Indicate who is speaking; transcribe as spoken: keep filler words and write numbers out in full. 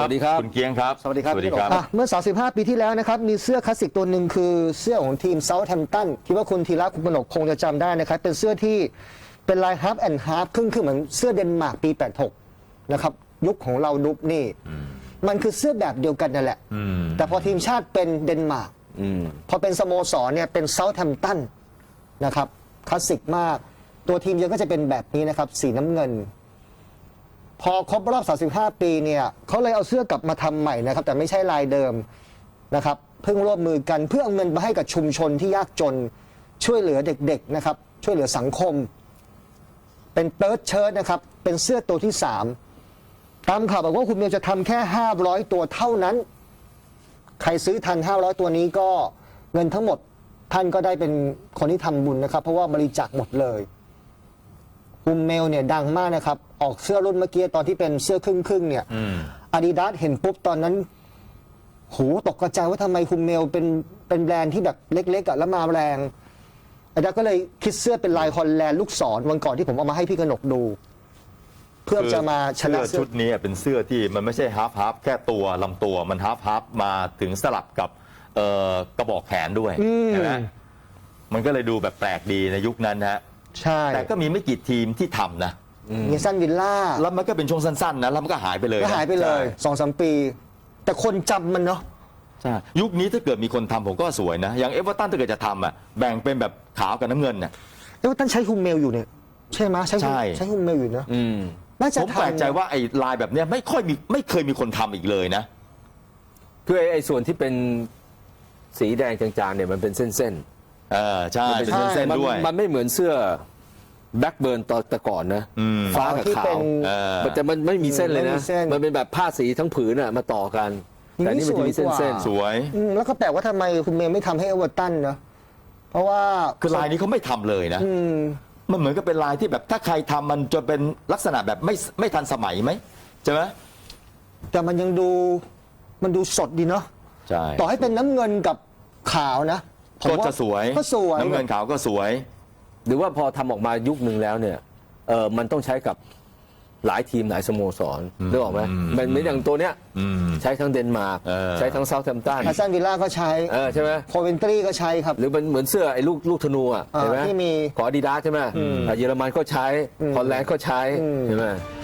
Speaker 1: วัสดีครับ
Speaker 2: คุณเกียงครับ
Speaker 3: สวัสดีครับ
Speaker 2: สวัสดีครับ
Speaker 3: เมื่อสามสิบห้าปีที่แล้วนะครับมีเสื้อคลาสสิกตัวหนึ่งคือเสื้อของทีมเซาท์แฮมป์ตันคิดว่าคุณธีระคุณกนกคงจะจำได้นะครับเป็นเสื้อที่เป็นลายฮาร์ฟแอนด์ฮาร์ฟครึ่งคือเหมือนเสื้อเดนมาร์กปีแปดหกนะครับยุคของเราดุบนี่มันคือเสื้อแบบเดียวกันนั่นแหละแต่พอทีมชาติเป็นเดนมาร์กพอเป็นสโมสรเนี่ยเป็นเซาท์แฮมป์ตันนะครับคลาสสิกมากตัวทีมเยอะก็จะเป็นแบบนี้นะครับสีน้ำเงินพอครบรอบสามสิบห้าปีเนี่ยเขาเลยเอาเสื้อกลับมาทำใหม่นะครับแต่ไม่ใช่ลายเดิมนะครับเพิ่งร่วมมือกันเพื่อเอาเงินมาให้กับชุมชนที่ยากจนช่วยเหลือเด็กๆนะครับช่วยเหลือสังคมเป็นเติร์ดเชิ้ตนะครับเป็นเสื้อตัวที่สามตามข่าวบอกว่าคุณเมียวจะทำแค่ห้าร้อยตัวเท่านั้นใครซื้อทันห้าร้อยตัวนี้ก็เงินทั้งหมดท่านก็ได้เป็นคนที่ทำบุญนะครับเพราะว่าบริจาคหมดเลยฮุมเมลเนี่ยดังมากนะครับออกเสื้อรุ่นเมื่อกี้ตอนที่เป็นเสื้อครึ่งครึ่งเนี่ยอาดิดาสเห็นปุ๊บตอนนั้นโหตกกระจายว่าทำไมฮุมเมลเป็นเป็นแบรนด์ที่แบบเล็กๆอ่ะแล้วมาแรงอาดิดาสก็เลยคิดเสื้อเป็นลายฮอลแลนด์ลูกศรวันก่อนที่ผมเอามาให้พี่กนกดู เพื่อจะมาชนะ
Speaker 2: เสื้อชุดนี้เป็นเสื้อที่มันไม่ใช่ฮาร์ฟฮาร์ฟแค่ตัวลำตัวมันฮาร์ฟฮาร์ฟมาถึงสลับกับกระบอกแขนด้วยใช่ไหมมันก็เลยดูแบบแปลกดีในยุคนั้นนะ
Speaker 3: ใช่
Speaker 2: แต่ก็มีไม่กี่ทีมที่ทำนะ
Speaker 3: มีซันวิลล่า
Speaker 2: แล้วมันก็เป็นช่วงสั้นๆนะแล้วมันก็หายไปเลย
Speaker 3: ก็หายไปเลยสองสามปี แต่คนจำมันเนาะ
Speaker 2: ใช่ยุคนี้ถ้าเกิดมีคนทำผมก็สวยนะอย่างเอเวอร์ตันถ้าเกิดจะทำอ่ะแบ่งเป็นแบบขาวกับน้ำเงินเนี่ย
Speaker 3: เอเวอร์ตันใช้ฮุมเมลอยู่เนี่ยใช่ไหมใช้ใช้ฮุมเมลอยู่เนาะน่าจะ
Speaker 2: ผมแปลกใจว่าไอ้ลายแบบเนี้ยไม่ค่อยมีไม่เคยมีคนทำอีกเลยนะ
Speaker 1: คือไอ้ส่วนที่เป็นสีแดงจางๆเนี่ยมันเป็นเส้น
Speaker 2: ๆเออใช่เป็นเส้นๆด้วย
Speaker 1: มันไม่เหมือนเสื้อแบ็กเบิร์นตอนแต่ก่อนนะฟ้ากับขาวแต่มันไม่มีเส้นเลยนะมันเป็นแบบผ้าสีทั้งผืนอะมาต่อกันแต่นี่มันจะมีเส้น
Speaker 2: ๆสวย
Speaker 3: แล้วก็แปลกว่าทำไมคุณเมย์ไม่ทำให้เอเวอร์ตันเนาะเพราะว่า
Speaker 2: คือลายนี้เขาไม่ทำเลยนะมันเหมือนกับเป็นลายที่แบบถ้าใครทำมันจะเป็นลักษณะแบบไม่ไม่ทันสมัยไหมใช่ไหม
Speaker 3: แต่มันยังดูมันดูสดดีเนาะ
Speaker 2: ใช่
Speaker 3: ต่อให้เป็นน้ำเงินกับขาวนะ
Speaker 2: ก็จะสวย
Speaker 3: ก็สวย
Speaker 2: น้ำเงินขาวก็สวย
Speaker 1: หรือว่าพอทำออกมายุคหนึ่งแล้วเนี่ยเออมันต้องใช้กับหลายทีมหลายสโมสรนึกออกไหมมันเหมือนอย่างตัวเนี้ยใช้ทั้งเดนมาร์กใช้ทั้งเซาท์แฮมป์ตัน
Speaker 3: อาร์เซนวิลล่าก็ใช้
Speaker 1: ใช่ไหม
Speaker 3: โคเวนตรีก็ใช้ครับ
Speaker 1: หรือมันเหมือนเสื้อไอ้ลูกลูกธนูอ่ะใช่ไหม
Speaker 3: ที่มี
Speaker 1: ของอาดิดาสใช่ไหมเยอรมันก็ใช้ฮอลแลนด์ก็ใช้ใช่ไหม